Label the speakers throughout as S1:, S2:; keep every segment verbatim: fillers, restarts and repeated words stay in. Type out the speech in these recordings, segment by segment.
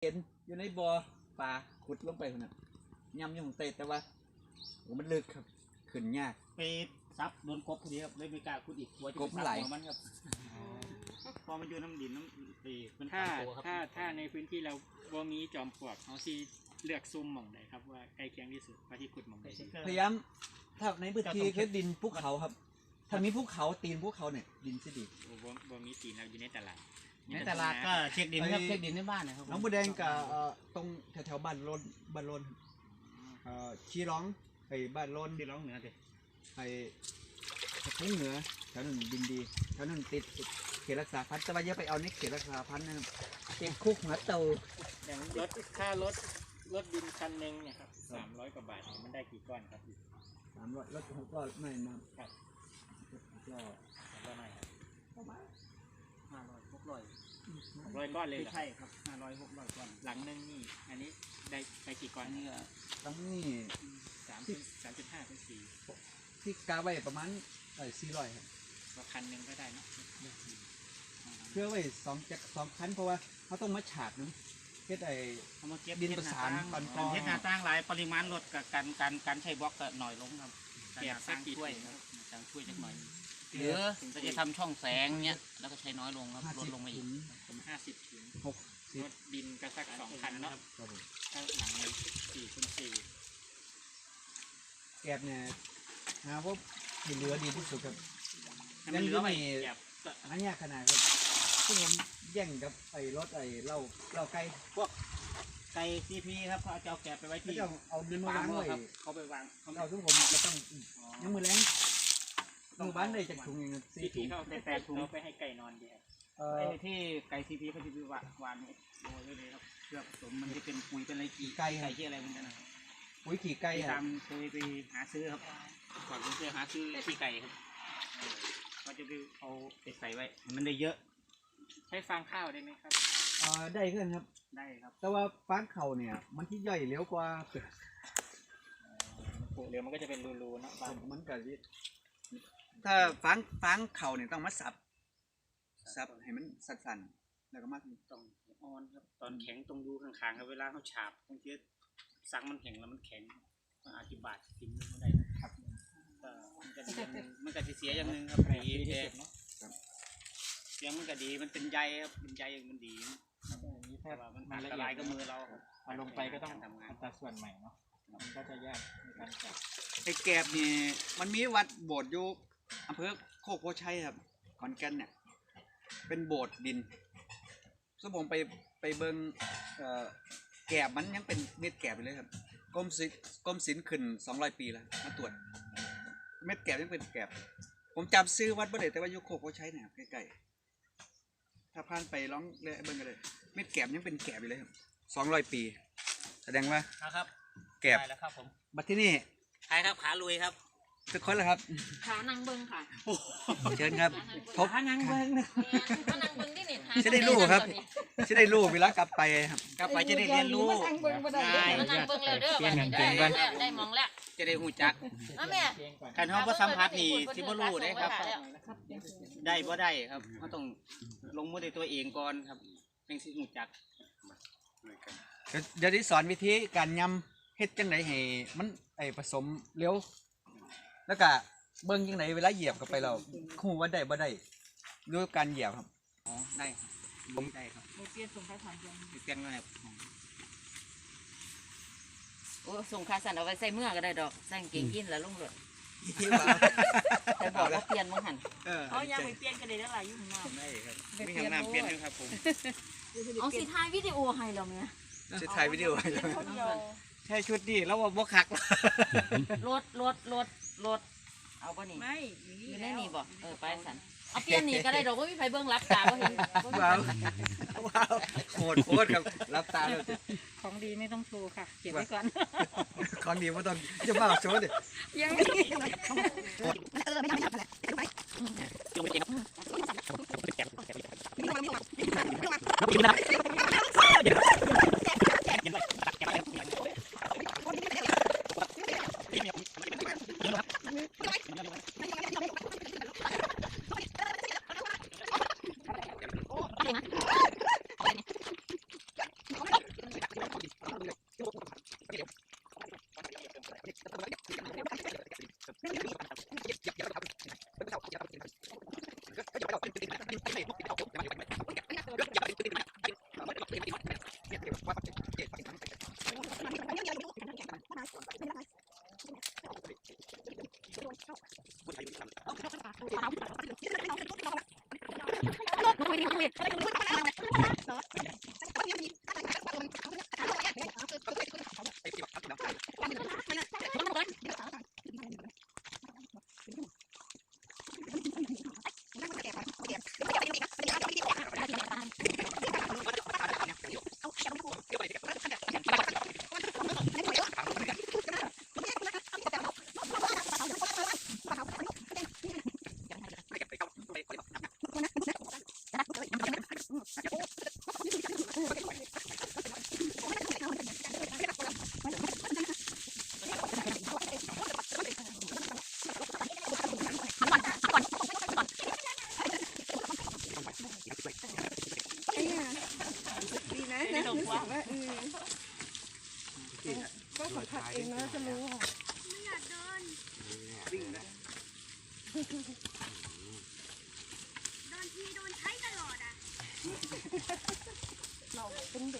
S1: ห็นอยู่ในบ่อปลาขุดลงไปคนน่ะย่ำอยู่ของเตะแต่ว่าโอ้มันลึกครับขึ้นยาก
S2: ไปซับโดนกบพอดีครับเลยไม่กล้าขุดอีกกลัวจะ
S1: กบไหล
S2: มันครับพอมันอยู่น้ำดินน้ำตีมัน
S3: ถ้า
S2: ตัวครับ
S3: ถ้าถ้าในพื้นที่เราบ่มีจอมปลวกเขาที่เลือกซุ่มหม่องใดครับว่าใกล้เคียงที่สุดว่าที่ขุดหม่องใดดี
S1: พยายามถ้าในพื้นที่คือดินภูเขาครับถ้ามีภูเขาตีนภูเขาเนี่ยดินสิดี
S3: โอ้บ่บ่มีตีนเราอยู่ในตลาด
S2: ในตลาดก็เช็คดินครับเช็คดินในบ้านนะครับ
S1: น้องบัวแดงกับตรงแถวๆบ้านโลนบ้านโลนชี้ร้องไปบ้านโลน
S2: ที่ร้องเหนือสิ
S1: ไปทุ่งเหนือแถวนั้นดินดีแถวนั้นติดเขตรักษาพันธุ์แต่ว่าอย่าไปเอาในเขตรักษาพันธุ์นะครับติดคุกหัวเตา
S3: อย่างรถค่ารถรถดินคันหนึ่งเนี่ยครับสามร้อยกว่าบาทเนี่ยมันได้กี่ก้อนครับ
S1: สามร้อยรถหกร้อยไม่มา
S3: ครับ
S1: ก็
S3: สามร้อยไม่ครับ
S1: ประมาณ
S2: ห้าร้อยหกร้อย
S3: หกร้อยก้อนเลยเหรอ
S2: ใช่ครับห้าร้อยหกร้อยก้อน
S3: หลังหนึงนี่อันนี้ได้ไปกี่ก้อ
S2: อั
S3: น
S2: นนี้ก็
S1: ตั้งนี่
S3: สามจุดสามจุดห้าเป็นสี่
S1: ที่กาไว้ประมาณเอ้สี่ร้อยครับ
S3: ก็คันหนึ่งก็ได้เนอะ
S1: เพื่อไว้สองจักสองคันเพราะว่าเขาต้องมาฉาดน้ำเฮ็ดไอ้
S2: เอามาเก็บ
S1: ดินประสานก่อนก่
S2: กา
S1: อน
S2: รเฮ็ดหน้าตั้งหลายปริมาณลดกับการการการใช้บล็อกก็หน่อยลงครับ
S3: เก็บสักกี่
S2: ช่วย
S3: ถุง
S2: ค
S3: ค
S2: รั
S3: รั
S2: บบ การช่วยจักหน่อย
S3: เห
S2: ห
S3: ลื
S2: รือ อ
S3: ถึง
S2: เรา
S3: จะ
S2: จะทำช่องแสงเนี้ยแล้วก็ใช้น้อยลงครับ
S1: ห้า
S2: ลด
S1: สิบ
S2: ลงมาอี
S1: ถุ
S2: ก
S1: ง
S3: ผมห้าสิบถุง
S1: หกสิบ
S3: รถดินก็สักสองคันเนาะ
S1: ครับผม
S3: ถ้าหลังเลยสี่คูณสี่
S1: แกบเนี่ยหาว่าเหลือดีที่สุดครับ
S2: ให้มันเหลือไว้
S3: แบบ
S1: อันนี้ขนาดครับซึ่งผมแย่งกับไอ้รถไอ้เหล้าเหล้าไก่
S2: ไก่ซีพีครับเขาจะเอาแกะไปไว้
S1: เขา
S2: ที่
S1: จะเอาดินมาวางไว้
S2: ครับเขาไปวางเขา
S1: เราทุกผมจะต้องยังมือแรงมือบ้านได้จากถุงอย่างนี้
S3: สี่
S1: สี่
S3: ถุ
S1: ถุ
S3: ง
S1: ง
S3: เขาแต่แต่ถุงเอาไปให้ไก่นอนดีครับ
S1: เอ่อ
S2: ไอ้ที่ไก่ซีพีเขาจะไปวางวางโรยไว้เลยครับเพื่อผสมมันจะเป็นปุ๋ยเป็นอะไรกี่ไก่ไก่ที่อะไรมันจะนะ
S1: ปุ๋ยขี่ไก่
S2: ไป
S1: อะ
S2: ตามเคยไปหาซื้อครับก่อนผมเคยหาซื้อขี้ไก่ครับก็จะไปเอาไปใส่ไว้มันได้เยอะ
S3: ใช้ฟางข้าวได้ไหมครับ
S1: เอ่อได้ขึ้นครับ
S2: ได้ครับ
S1: แต่ว่าฟางเข่าเนี่ย มันที่ย่อยเร็วกว่า
S3: ปลูกเรือมันก็จะเป็นรูๆเนาะบาง
S1: มันกับถ้าฟางฟางเข่าเนี่ยต้องมาสับสับให้มันสั่นๆแล้วก็มา
S2: ต้องอ่อนครับตอนแข็งตรงดูข้างๆครับเวลาเขาฉาบบางทีสังมันแข็งแล้วมันแข็งมันอาจจะบาดทิ้งไม่ได้ครับก็มันก็ดีอย่างหนึงมันก็จะเสียอย่างหนึงครับดีแท้เสียงมันก็ดีมันเป็นใยครับเป็นใยมันดี
S3: นี้
S2: แต่
S3: ถ้า
S2: ว่ามัน
S3: มัน
S2: อัน
S3: ละ
S2: ต
S3: เอีย
S2: ราย
S3: ด
S2: กับมือเรา
S3: เอาลงไปก็ต้อง
S2: ทำงาน
S3: อัตราส่วนใหม่เนาะมันก็จะยากในการจับ
S1: ไอ้แกบนี่มันมีวัดโบสถ์อยู่อำเภอโคกโพชัยครับขอนแก่นเนี่ยเป็นโบสถ์ดินซึ่งผมไปไปเบิ่งเอ่อแกบมันยังเป็นเม็ดแกบอยู่เลยครับกรมศิลป์กรมศิลป์ขึ้นสองร้อยปีแล้วมาตรวจเม็ดแกบยังเป็นแกบผมจำซื้อวัดบ่ได้แต่ว่าอยู่โคกโพชัยเนี่ยครับใกล้ๆถ้าผ่านไปลองเลยเบิ่งกันเลยเม็ดแกบยังเป็นแกบอยู่เลยครับสองร้อยปีแสดงว่า
S2: นะครับ
S1: แกบ
S2: ได้แล้วครับผม
S1: บัดที่นี่
S2: ใครครับขาลุยครับ
S1: ทุกคนแล้วครับ
S4: ขานังเบิงค่ะ
S1: เชิญครับพบ
S2: ขานังเบิ้งนะ
S4: ขานังเบิงที่นี่
S1: จะได้รู้ครับ จะได้รู้เวลากลับไปครับ
S2: กลับไปจะได้เรียนรู้
S4: ขานังเบิงแล้วเด้อวันนี้ได้แล้วได้มองแล้ว
S2: จะได้หูจัก
S4: นะแม่
S2: คันเขาบ่สัมผัสนี่ที่บ่รู้ได้ครับ ได้บ่ได้ครับเขาต้องลงมือด้วยตัวเองก่อนครับจังสิหูจัก
S1: เดี๋ยวที่สอนวิธีการยำเฮ็ดจังไดให้มันไอผสมเร็ว แล้วก็เบิ่งจังไดเวลาเหยียบเข้าไปเราคู่ว่าได้บ่ได้ด้วยการเหยียบครับ
S2: อ๋อได้ครับผมได้ครับ
S4: เปลี่ยนส่งค่าสันยัง
S2: เปลี่ยนมาครับ
S4: โอ้ส่งค่าสันเอาไว้ใส่เมื่อก็ได้ดอกใส่เก่งยินแล้วลงรถ
S1: ที่ว่า
S4: แต่บอกว่าเปลี่ยนมั้งหัน
S1: เออ
S4: เอายังไปเปลี่ยนกันได้แล้วล่ะอยู่ข้างหน้า
S2: ได้ครับมีห้องน้ำเปลี่ยนด้วยครับผม
S4: เอาสิถ่ายวิดีโอให้เราเนี่ย
S1: จะถ่ายวิดีโอไว้แล้ว
S4: คนเดียว
S2: ใช่ชุดนี้แล้วว่าบ่คัก
S4: รถรถรถรถเอาป่ะนี่
S5: ไม่
S4: อยู่ในนี่บ่เออไปสันเอาเปลี่ยนนี่ก็ได้ดอกว่ามีไฟเบิ้งรับตาบ่เห็น
S1: ว้าวว้าวโหดโคตรครับรับตาเลย
S5: ของดีไม่ต้องโชว์ค่ะ เก็บไว้ก่อน
S1: ของดีบ่ต้องจะมาโชว์ดิ
S5: ยังไม่
S6: ดีนะนะรู้สึกว่าเออก็สัมผัสเองนะจะรู้ค่ะ
S1: วิ่งนะ
S7: โดนทีโดนใช้ตลอดอ่ะ
S6: เราเป็นเด็ก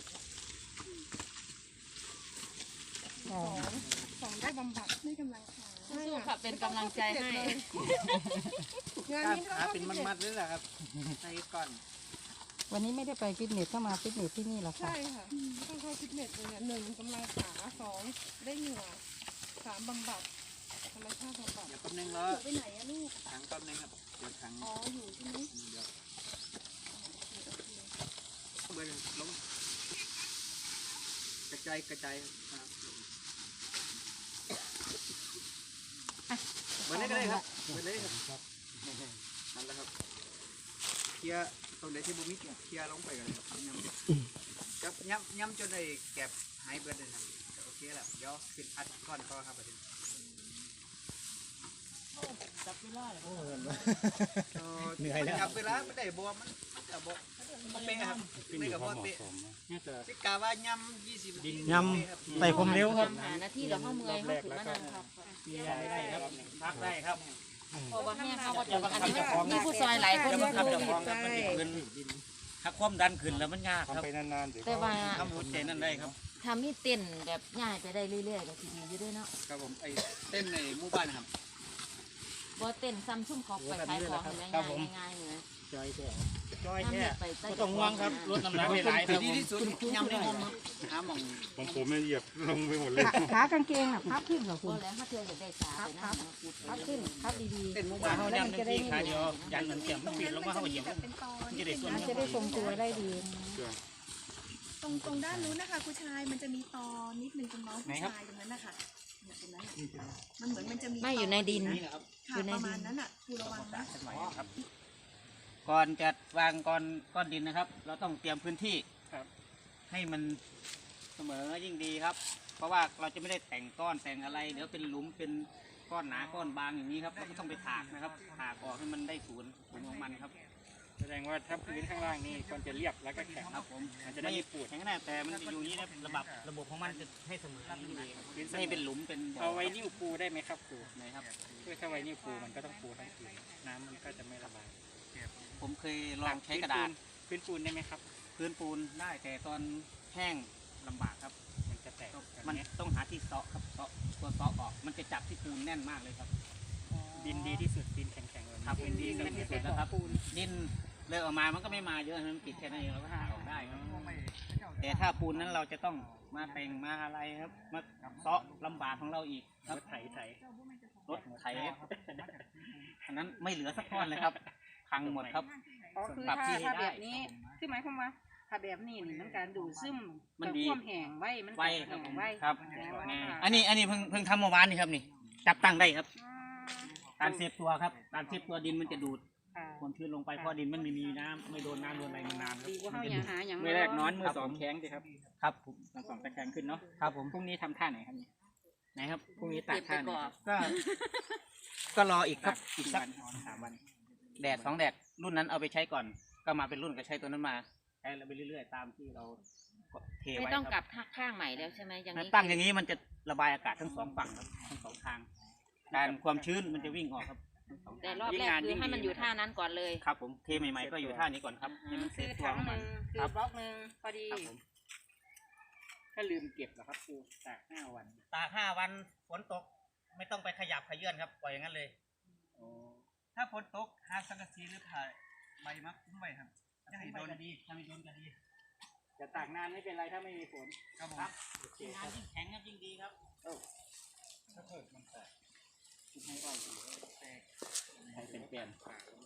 S6: สองสองได้บำบัดได้กำลังใจ
S4: สู้ๆค่ะเป็นกำลังใจให้
S6: งานนี้
S2: ขาเป็นมัดๆเลยแหละครับใส่ก่อน
S5: วันนี้ไม่ได้ไปฟิตเนสเข้ามาฟิตเนสที่นี่หรอคะ
S6: ใช่ค่ะต้องเข้าฟิตเนสเลยเนี่ยหนึ่งกำลังขาสองได้เหงื่อสามบำบัดธรรมชาติบำบัด
S2: เดี๋ยวแป๊บนึงแล้ว
S6: ไปไหนอะลูก
S2: ถังแป๊บนึงครับเดี๋ยวถัง
S6: อ๋ออยู่ใช่ไหม
S2: เดี๋ยว
S1: เบิร์ล้มกระจายกระจายครับเบิร์เลยก็ได้ครับเบิร์เลยครับนั่นแหละครับเคลียร์ตรงไหนที่บุมิเคลียร์ลงไปกันครับย้ำจับย้ำย้ำจนได้แก็บหายเบิร์เลยครับโอเคแล้วเดี๋ยวขึ้นอัดก้อนก็ครับประเด็น
S3: จับเวลาเลย
S1: เหนื่อยแล้วจับเวลาไม่ได้บัวมันมันจะบัวมันเป๊ะครับไม่กับบัวเป๊ะสิกาว่าย้ำยี่สิบ
S2: ยำใส่ผมเร็วครับ
S4: หาหน้าที่เดี๋ยวเขาเมื่อยเขาถือว่านั่งครับ
S2: เบียร์ได้ครับพักได้ครับ
S4: เพราะว่าแม่เขาก็จะอันนี้มีผู้ซอยหลายคน
S2: จะ
S4: อ
S2: บังคับ
S4: ยู่
S2: เจ้าของครับมันจะขึ้นถ้าความดันขึ้นแล้วมันยากครับ
S4: แต่ว่า
S2: ทำหัวใจนั่นได้ครับ
S4: ทำนี่เต้นแบบง่ายไปได้เรื่อยๆก็ทีดีอยู่ด้วยเนาะ
S1: ครับผมไอ้เต้นในหมู่บ้านนะครับ
S4: บ่เต้นซ้ำซุ่มเขาไปขายของอะไรง่ายๆง่ายๆเลย
S2: จอยแท้จอย
S4: ทำ
S2: แท้
S4: เนี่ยไปใต้
S2: ก็ต้องห่วงครับลดน้ำหนักหลายๆครับ
S1: ดีที่สุดย้ำในห้องครับหาหม่อง
S8: ของผมเนี่ยเหยียบลงไปหมดเลย
S5: ขากางเกงอ่ะพับขึ้นเหรอคุ
S4: บ่
S5: ณ
S4: แล้วถ้าเธออยากได้สาไปนะ
S5: พับขึ้นพับดี
S1: เต้นหมู่
S2: ว่า
S1: บ้าน
S2: เขายันที่ขาเดียวยันเหมือนเข็มมันปิดลงมาเขาเหยียบมันจะได้ส่วน
S5: ๆน่าจะได้ทรงตัวได้ดี
S6: ตรงตรงด้านนู้นนะคะคุณชายมันจะมีตอนิดนึงตรงน้องผู้ชายตรงนั้นนะคะเนี่ยตรงนั้นน่ะมันเหมือนมันจะมี
S4: ไม่อยู่ในดิน
S1: นี่นะครับ
S6: ค่ะประมาณนั้นอ่ะครูระวังนะ
S2: ครับก่อนจะวางก้อนก้อนดินนะครับ เราต้องเตรียมพื้นที่ให้มันเสมอยิ่งดีครับ เพราะว่าเราจะไม่ได้แต่งก้อนแต่งอะไรเดี๋ยวเป็นหลุมเป็นก้อนหนาก้อนบางอย่างนี้ครับเราก็ต้องไปถากนะครับถากออกให้มันได้ศูนย์ศูนย์ของมันครับ
S3: แสดงว่าถ้าพื้นข้างล่างนี่ควรจะเรียบแล้วก็แข็ง
S2: ครับผม
S3: มันจะได้
S2: ไม่
S3: ไม่ปูด
S2: แข็งแน่แต่มันจะอยู่อย่างนี้นะระบบระบบของมันจะให้เสมอกันอยู่ดีครับไม่ให้เป็นหลุมเป็นบ่
S3: เอาไว้นิ้วปูได้ไหมครับครู
S2: นะครับ
S3: เพื่อถ้าไว้นิ้วปูมันก็ต้องปูทั้งคืนน้ำมันก็จะไม่ระบาย
S2: ผมเคยลองใช้กระดาษ
S3: พื้นปูนได้ไหมครับ
S2: พื้นปูนได้แต่ตอนแห้งลำบากครับ
S3: มันจะแตก
S2: มันต้องหาที่เซาะครับเซาะตัวเซาะออกมันจะจับที่ปูนแน่นมากเลยครับ
S3: ดินดีที่สุดดินแข็งๆเลย
S2: ครับเป็นดีที่สุดนะครับดินเลิกออกมามันก็ไม่มาเยอะมันปิดแค่นั้นเองเราก็หาออกได้ครับแต่ถ้าปูนนั้นเราจะต้องมาแต่งมาอะไรครับมาเซาะลำบากของเราอีกค
S3: ร
S2: รับ
S3: ถไถไถ
S2: รถไถอันนั้นไม่เหลือสักก้อนเลยครับพังหมดครับ
S5: อ๋อคือ
S2: ปรับ
S5: ถ้า
S2: ที่ให้
S5: ถ้า
S2: ได้
S5: แบบนี้คือหมายความว่าถ้าแบบนี้นี่มันการดูดซึม
S2: มันดี
S5: ความแห้งไว้มัน
S2: ไว้ค
S5: แห้
S2: รับ
S5: ง
S2: ผม
S5: ไว้
S2: ครับ
S5: แต่ว่า
S2: อันนี้อันนี้เพิ่งเพิ่งทำเมื่อวานนี่ครับนี่จับตั้งได้ครับ การเซฟตัวครับการเซฟตัวดินมันจะดูด
S5: ค่ะ
S2: ความชื้นลงไปเพราะดินมันไม่มีน้ำไม่โดนน้ำโดนอะไรนานๆครับ
S5: ดีกว่าเขาอย่าหาอย่าง
S3: มือแรกนอนมือ
S2: ครับ
S3: สอง
S2: ผม
S3: แข็งสิครับ
S2: ครับผม
S3: มือสองตะแข็งขึ้นเนาะ
S2: ครับผม
S3: พรุ่งนี้ทำท่าไหนครับนี่
S2: ไหนครับ
S3: พรุ่งนี้ตัดท่าไหนครับ
S2: ก็ ก็รออีกครับอี
S3: อี
S2: ก
S3: ก
S2: สั
S3: สั
S2: ก
S3: กสามวัน
S2: แดดสองแดดรุ่นนั้นเอาไปใช้ก่อน ก็มาเป็นรุ่นก็ใช้ตัวนั้นมาใช้ไปเรื่อยๆตามที่เราเท
S4: ไม่
S2: ไว้
S4: ต้อง
S2: ค
S4: กลั
S2: รับบ
S4: ข้างใหม่แล้วใช่ไหมอย่างนี้
S2: ตั้งอย่างนี้มันจะระบายอากาศทั้งสองฝั่งครับทั้งสองทางการความชื้นมันจะวิ่งออกครับทั้งสอง
S4: แต่
S2: ทาง
S4: รอบแรกคือให้มันอยู่ท่านั้นก่อนเลย
S2: ครับผมเทใหม่ๆก็อยู่ท่านี้ก่อนครับให้มันเซ
S5: คือ
S2: ฟตัว
S5: ถัง
S2: ของ
S5: ห
S2: มัน
S5: นึ่งคื
S2: ครั
S5: อบ บล็อกหนึ่งพอดี
S2: ครับผม
S3: ถ้าลืมเก็บเหรอครับครูตากห้าวัน
S2: ตากห้าวันฝนตกไม่ต้องไปขยับขยื่นครับปล่อยอย่างนั้นเลย
S1: ถ้าฝนตกหาสังกะสีหรือผ่าใบมักคุ้มไว้ครับจะให้โดน
S2: ก็ดีถ้าไม่โดนก็ดี
S3: จะตากนานไม่เป็นไรถ้าไม่มีฝน
S1: ครับผม
S3: โอเค
S2: ยิ่ง
S3: ครั
S2: นาน
S3: บ
S2: ยิ่งแข็งครับยิ่งดีครับ
S1: ถ้าเกิดมันแตก
S3: ให้อ้อยดูแตกให้เป็นแกน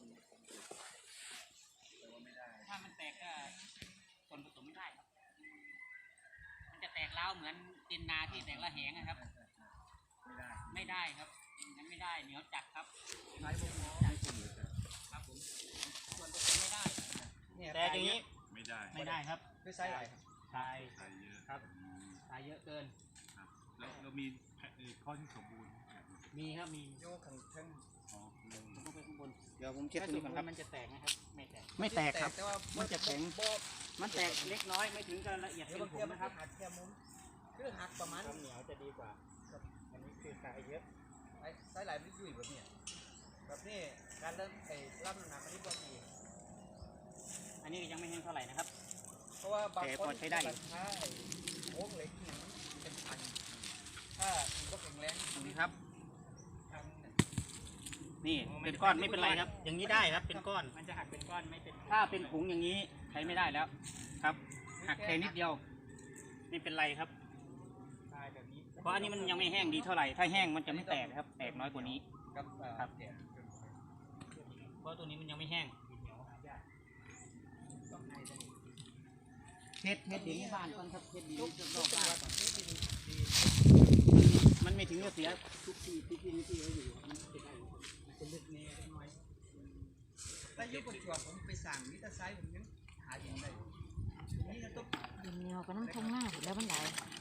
S2: ถ้ามันแตกก็ส่วนผสมไม่ได้ครับ มันจะแตกเล้าวเหมือนดินนาที่แตกละแหงนะครับ
S1: ไม่ได้
S2: ไม่ได้ครับงั้นไม่ได้เหนียวจัดครับ
S1: ใช้พวกหมอ
S2: ครับผมส่วนผสมไม่ได้
S1: เนี่ย
S2: แต่อย่างนี้
S8: ไม่ได้
S2: ไม่ได้ครับ
S1: ด้วยไซส์อะไรครับ
S2: ทราย
S8: ใช้เยอะ
S2: ครับ
S8: อืม
S2: ทรายเยอะเกิน
S8: ครับแล้วเรามีแพะเอ่อข้อที่สมบูรณ์แบบนี้
S2: มีครับมี
S1: โยกขังเช่น
S8: อ๋ออืม
S2: ผมก็ไปข้างบน
S1: เดี๋ยวผมเช็ด
S3: ถ้า
S1: ตรง
S3: สม
S1: นี้ก่อน
S3: ม
S1: ครับ
S3: ติมันจะแตกนะครับไม่แตก
S2: ไม่แตกครับ
S1: แต่ว่า
S2: มันจะแข็ง
S1: บ่
S2: มันแตกเล็กน้อยไม่ถึงกับละเอียด
S1: เดี๋ย
S2: เป็
S1: วน บาง
S2: ผ
S1: ที
S2: ง
S1: มัน
S2: นะครับ
S1: หักแค่มุมคือหักประมาณ
S3: ข้าวเหนียวจะดีกว่า อันนี้คือทรายเยอะ
S1: ไอ้ไซส์หลายไม่ยุ่ยแบบนี้แบบนี้การเริ่มไอ้รับน้ำหนักอันนี้ก็ดี
S2: อันนี้ยังไม่แห้งเท่าไหร่นะครับ
S1: เพราะว่าบาง
S2: แต่
S1: คน
S2: พอใช้ได้อยู่
S1: ถ้าไอ้โค้งเหล็กเนี่ยเป็นพันถ้าคุณก็แข็งแรง
S2: ตรงนี้ครับ
S1: ทางเนี่ย
S2: นี่เป็นก้อนไม่เป็นไรครับ อย่างนี้ได้ครับเป็นก้อน
S3: มันจะหักเป็นก้อนไม่เป็น
S2: ถ้าเป็นผงอย่างนี้ใช้ไม่ได้แล้วครับ หักแค่นิดเดียวไม่เป็นไรครับ
S3: ทรายแบบนี้
S2: เพราะอันนี้มันยังไม่แห้งดีเท่าไหร่ ถ้าแห้งมันจะไม่แตกครับ แตกน้อยกว่านี้
S1: กับเอ่อ
S2: ครับ
S1: เนี่ย
S2: เพราะตัวนี้มันยังไม่แห้งเฮ็ดเฮ็ดดินในบ้านก่อนครับเฮ็ดดินรอบๆบ้านก่อนมันไม่ถึงกับเสียทุกที่ทุกที่ที่เขาอยู่มันจะได้มันจะลึกแน่ได้น้อย
S1: แต่ยุคปัจจุบันผมไปสั่งมิตรไซส์ผมยังหาอย่างไรนี่ก็ต้อง
S4: ดินเหนียวก็น้ำทงหน้าแล้วมันไหล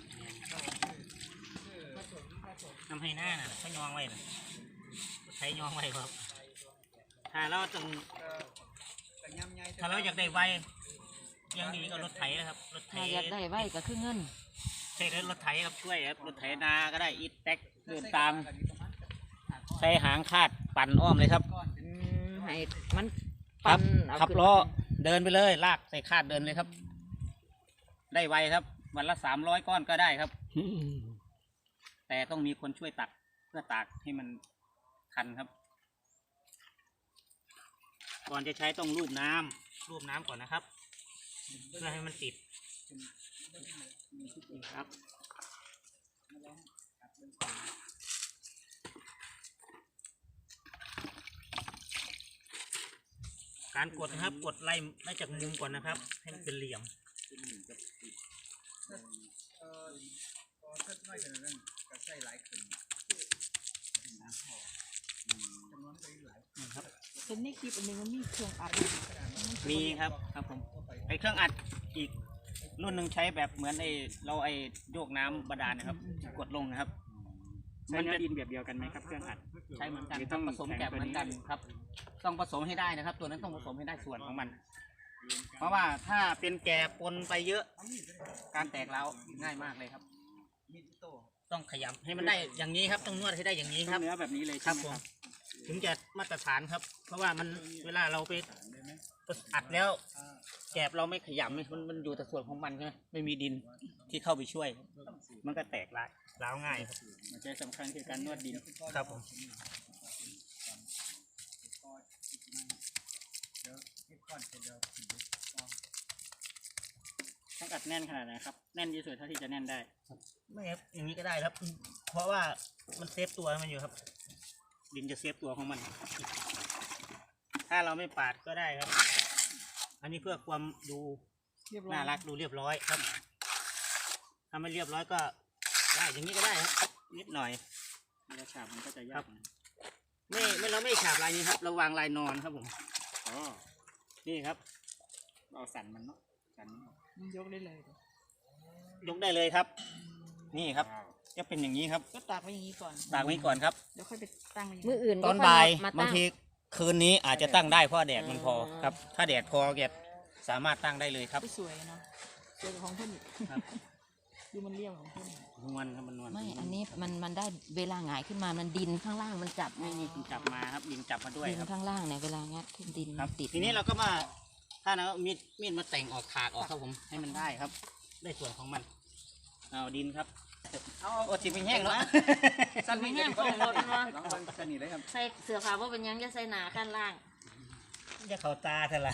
S2: ทำให้หน้าน่ะเขายองไว้น่ะใช้ยองไว้ครับ ถ้าเราต้อง
S1: เอ่อแต่ยำใหญ่
S2: ถ้าเราอยากได้ไวยังดีก็รถไถนะครับรถไถ
S4: ถ้าอยากได้ไว้ก็คือเงิน
S2: ใช่รถไถครับช่วยครับรถไถนาก็ได้อีแท็กเดินตามใช้หางคาดปั่นอ้อมเลยครับ
S4: อืมให้มัน
S2: ครั
S4: ปั่
S2: บ
S4: นเอา
S2: ขับ
S4: ขึ้น
S2: ล้อเดินไปเลยลากใส่คาดเดินเลยครับ ได้ไวครับ วันละสามร้อยก้อนก็ได้ครับ แต่ต้องมีคนช่วยตักเพื่อตากให้มันคันครับ ก่อนจะใช้ต้องลูบน้ำลูบน้ำก่อนนะครับ เพื่อให้มันติดครับ การกดนะครับกดไล่ไล่จากมุมก่อนนะครับ ให้มันเป็นเหลี่ยม
S1: เอ่อพอสักน้อยขนาดนั้นก็ใส่หลายขึ้นสามพอจำนวนก็หลาย
S2: นะครับ
S4: เป็นในคลิปอันนึงมันมีเครื่องอัด
S2: มีครับครับผมไอเครื่องอัดอีกรุ่นหนึ่งใช้แบบเหมือนไอเราไอโยกน้ำบาดาลนะครับ กดลงนะครับ
S3: ใช้เนื้อดินแบบเดียวกันไหมครับเครื่องอัด
S2: ใช้เหมือนกัน
S3: หรือ
S2: ต้
S3: ต้
S2: อ
S3: อง ง
S2: ผสมแกบเหมือนกันครับ ต้องผสมให้ได้นะครับ ตัวนั้นต้องผสมให้ได้ส่วนของมัน เพราะว่าถ้าเป็นแกบปนไปเยอะ การแตกเล้าวง่ายมากเลยครับ
S1: มีที่โต
S2: ต้องขยำให้มันได้อย่างนี้ครับต้องนวดให้ได้อย่างนี้
S3: ต้
S2: ค
S3: อ
S2: รั
S3: ง
S2: บ
S3: เนื้อแบบนี้เลย
S2: ครั
S3: ใช่
S2: บ
S3: ไหม
S2: ผม
S3: ครับ
S2: ถึงจะมาตรฐานครับ เพราะว่ามันเวลาเราไปอัดแล้ว แกบเราไม่ขยำมันมันอยู่แต่ส่วนของมันใช่ไหมไม่มีดินที่เข้าไปช่วย มันก็แตกร้ายร้าวง่ายครับ
S3: มันจะสำคัญคือการนวดดิน
S2: ครับผม
S1: เดี๋ยวคิดก่อนเดี๋ยว
S3: ต้องอัดแน่นขนาดไหนครับแน่นที่สุดเท่าที่จะแน่นได้
S2: ไม่ครับอย่างนี้ก็ได้ครับ เพราะว่ามันเซฟตัวมันอยู่ครับ ดินจะเซฟตัวของมัน ถ้าเราไม่ปาดก็ได้ครับ อันนี้เพื่อความดูน่ารักดูเรียบร้อยครับ ถ้าไม่เรียบร้อยก็ได้อย่างนี้ก็ได้ครับ นิดหน่อย
S3: เวลาฉาบมันก็จะยากนะ
S2: ไม่ไม่เราไม่ฉาบลายนี้ครับ เราวางลายนอนครับผม
S3: อ๋อ
S2: นี่ครับ
S3: เอาสันมันเนาะสันมันออก
S4: ยกได้เลย
S2: ยกได้เลยครับ นี่ครับ จะเป็นอย่างนี้ครับ
S4: ก็ตากไว้อย่างนี้ก่อน
S2: ตากไว้ก่อนครับ
S4: เดี๋ยวค่อยไปตั้งมืออื่น
S2: ตอนบ่ายบางทีคืนนี้อาจจะตั้งได้เพราะแดดมันพอครับ ถ้าแดดพอแกสามารถตั้งได้เลยครับ
S4: สวยเนาะสวยกว่าของเพื่อนอีก
S2: ครับ
S4: ดูมันเรียบของเพื่อน
S2: นวลครับมันนวล
S4: ไม่ อันนี้มันมันได้เวลาหงายขึ้นมามันดินข้างล่างมันจับ
S2: นี่นี่คุณจับมาครับดินจับมาด้วย
S4: ดิน
S2: ครับ
S4: ข้างล่างเนี่ยเวลางัดขึ้นดิน
S2: ครับ
S4: ติด
S2: ทีนี้เราก็มา ถ้าเรามีดมีดมาแต่งออกถากออกครับผมให้มันได้ครับ ได้ส่วนของมันเอาดินครับ
S1: เอา
S2: โอ้สิเป็นแห้งเนาะ
S1: สั้นไม่แห้งก็ได้ลองลองสั้นนี่เลยครับ
S4: ใส่เสื้อผ้าว่าเป็นหยังจะใส่หนากันล่าง
S2: จะเข้าตาเท่าไหร่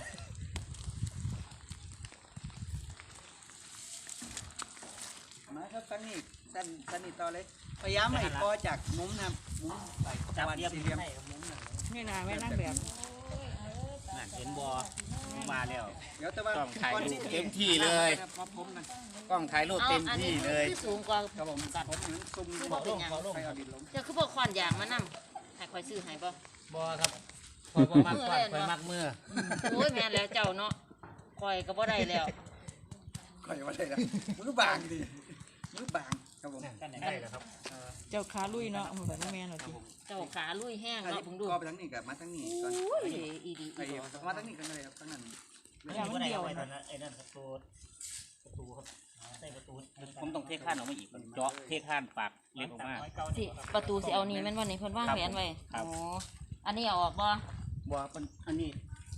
S1: มาครับสั้นนี่สั้นสั้นนี่ต่อเลยพยายามให้คอจากมุมนะครับมุมไหล
S2: จับ
S1: วัน
S2: เรียบ
S1: สี่เหลี่ยม
S2: ให้มุมหน่อย
S5: นี่นะแม่นั่งแบบ
S2: นั่นเห็นบ่มาแล้ว
S1: เดี๋ยวแต่ว่า
S2: ต้องถ่ายรูป
S1: ก่อน
S2: เต็มที่เลย
S1: ครับมาพร้อมกัน
S2: กล้องถ่ายรูป
S4: เอา
S2: เต็ม
S4: อัน
S2: ที่
S4: นี้
S2: เลย
S4: คือสูงกว่า
S1: ครับผมตัดผมนั้นซุ่ม
S4: คือ
S1: ข
S4: บ่
S1: อ
S4: เป็นหยัง
S1: ไปเอาดินลง
S4: เจ้าคือบ่ขอนอย่างมานํให้ข่อยซื้อให้บ่
S2: บ่ครับคอยบ่มักก่อนคอยมักมือ
S4: โอ้ยแม่นแล้วเจ้าเนาะข่อยก็บ่ได้แล้ว
S1: ข่อยว่าได้แล้วมือบางดิมือบางครับผม
S2: กันได้แล้วครับ
S5: เจ้าขาลุยเนาะเหมือนแม่เนาะที
S4: เจ้าขาลุยแห้ง
S1: อัน
S4: เนาะ
S1: นี้
S4: เบิ่งดู
S1: ก็ไปทั้งนี้กับมาทั้งนี้ก่อน
S4: โอ้ยอีดี
S1: ไอ้
S4: อีบ่
S1: มาทั้งนี้กันเลยครับทั้งนั้น
S5: อย่ามันเดียว
S2: ไอ้
S5: นะ
S2: นั่นไอ้นั่นประตูประตูครับใส่ประตูผมต้องเทข้านออกมาอีกเจาะเทข้านปากเล็กออกมา
S4: สิประตูสิเอานี่แม่นว่านี่เพิ่นวางแผนไว้
S2: ครับ
S4: อ๋ออันนี้เอาออกบ่
S1: บัวเป็น
S2: อันนี้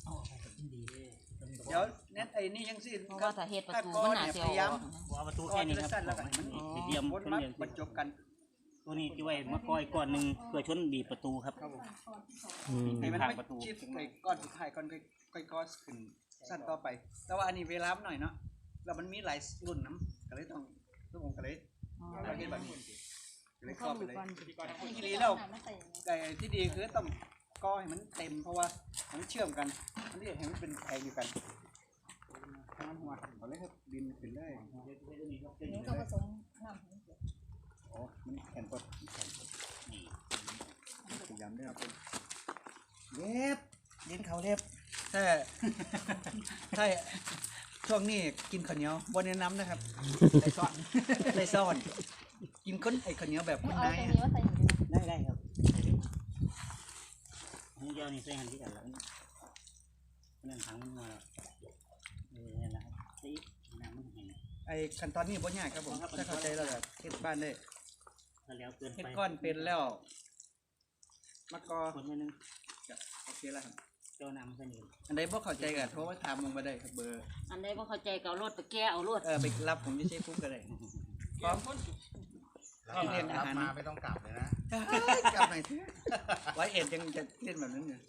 S1: เดี๋ยวเน็ตไอ้นี่ยังสิ
S4: เพราะว่าถ้าเฮ็ดประตูมันน่าสิเอาออกนะ
S2: ว่าประตูแค่นี้ครับ
S1: สั้นแล้วกันมัน
S2: มันเดียม
S1: วน
S2: เป็น
S1: มา
S2: เดียม
S1: บรรจบกัน
S2: ตัวนี้ที่ไว้มาก้อยก้อนหนึ่งเพื่อชนบีบประตูครับ
S1: ให้มัน
S2: ทาง
S1: ไม่
S2: ประตู
S1: ชิดไอ้ก้อนสุดท้ายก้อนค่อยๆก้อนขึ้นสั้นต่อไป แต่ว่าอันนี้เวลาหน่อยเนาะแล้วมันมีหลายรุ่นน้ำก็เลยต้องทุกคนก็เลยเราเห็นแบบนี้ก็เลยครอบไปเลยทีนี้แล้วไอ้ที่ดีคือต้องก้อให้มันเต็มเพราะว่ามันเชื่อมกันมันเรียกให้มันเป็นแพงอยู่กันทำหัวเอาเลยครับดินขึ้นเลยอ๋อมันแข็งกดพยายามได้ครับเล็บดินเขาเล็บถ้าถ้าช่วงนี้กินข้าวเหนียวบนแนะน้ำนะครับใส่ซ่อนใส่ซ่อนกินข้นไอ้ข้าวเหนียวแบบคนนายอะ
S2: ได้ได้ครับนี่เดียวนี่ใส่หันที่กันแล้วนั่นถังมันมาแล้วเออนี่นแหละครับสีน้ำมันแห้ง
S1: ไอ้ขั้นตอนนี้บ่ยากครับผมถ้าเข้าใจแล้วแบบเฮ็ดบ้านได้
S2: ถ้าแล้วเกิน
S1: เฮ็ด
S2: ไป
S1: ก้อนเป็นแล้วมะกอ
S2: คนนิดนึง
S1: โอเคแล้วครับ
S2: เจ้าน้ำใส่นี่
S1: อันใดบ่เข้าใจก็โทรมาถามลงมาได้ครับเบอร์
S4: อันใดบ่เข้าใจก็เอารถไปแก้เอารถ
S1: เออไปรับผมที่เชฟปุ๊บก็ได้พร้อมเรียนอาหาร
S8: มาไม่ต้องกลับเลยนะ
S1: กลับหน่อยเถอะไว้เอ็ดยังจะเล่นแบบนั้นอยู่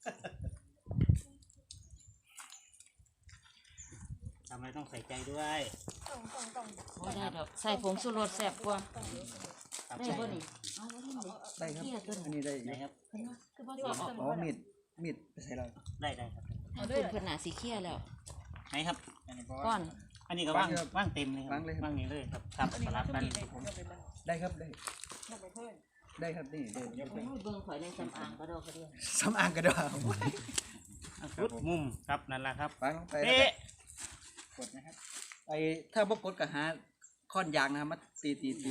S2: ทำอะไรต้องใส่ใจด้วย
S4: บ่ได้ดอกใส่ผงชูรสแซ่บกว่า
S2: ครับ
S4: ได้บ่นี่เอาบ่ได้เลย
S1: ได้ครับ
S4: เที่ยตัว
S1: อัน
S4: นี้
S1: นี้ได้
S2: ไหนครับ
S4: คือบ่ชอบ
S1: อ๋อมีดมีดไปใส่เรา
S2: ได้ได้ครับ
S4: เอาเพิ่นเพิ่นน่าสิเคลียร์แล้ว
S2: ไหนครับ
S4: ก่อน
S2: อันนี้ก็ว่างว่างเต็มเลยครับว่างนี้เลยครับครับสลับกัน
S1: ได้ครับได้ได้ครับนี่ได้ได้
S4: โอ้ยเบิ่งข่อยในสำอางก็ดอกกระเดียว
S1: สำอางกระดาษ
S2: พุดมุมครับนั่นแหละครับ
S1: ฟังลงไปแล้ว
S2: เป๊ะ
S1: ก็กดนะครับไอ้ถ้าบ่กดก็หาค้อนยางนะครับมาตีตีตี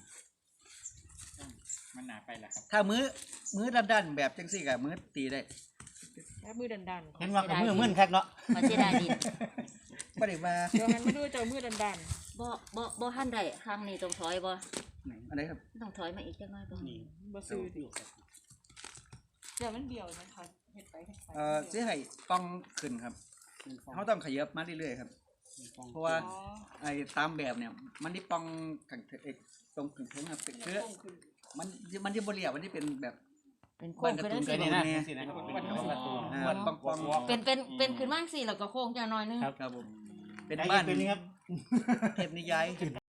S3: มันหนาไปละครับ
S1: ถ้ามือมือด้านๆแบบจังซี่ก็มือตีได้
S5: แล้วมือดัน
S2: เห็นว่ากับมือมึนครับเนาะ
S4: มันสิได้ดิน
S1: บ่ได้ว่า
S5: ๆเดี๋ยวมันไม่ดูเจ้ามือดัน
S4: บ่บ่บ่ทันได้ครั้งนี้ต้องถอยบ่
S1: อันไหนครับ
S4: ต้องถอยมาอีกจักหน่อยบ่
S2: นี่
S5: ๆบ่ซื้อดิเดี๋ยวมันเบี้ยวนะคะเฮ็ดไปเฮ็ดไป
S1: เอ่อสิให้กล้องขึ้นครับเขาต้องขยับมาเรื่อยๆครับ เพราะว่า
S5: อ๋อ
S1: ไอ้ตามแบบเนี่ย มันที่ป้องขังเอ้ยตรงถึงถึงครับคือมันมันที่บริเวณมันที่เป็นแบบ
S4: เป็นโค้งขึ้นได้
S1: บ้านการ์ตู
S4: สิ
S1: น
S2: นี่นะนี่นะครับเป็นประตู
S1: อ่าป้องป้อง
S4: เป็นเป็นเป็นขึ้นมาจังซี่แล้วก็โค้งจังหน่อยนึง
S1: ครับผม เป็น
S2: ได้
S1: บ้าน
S2: เป็นนี่ครับ
S1: เทพนิยาย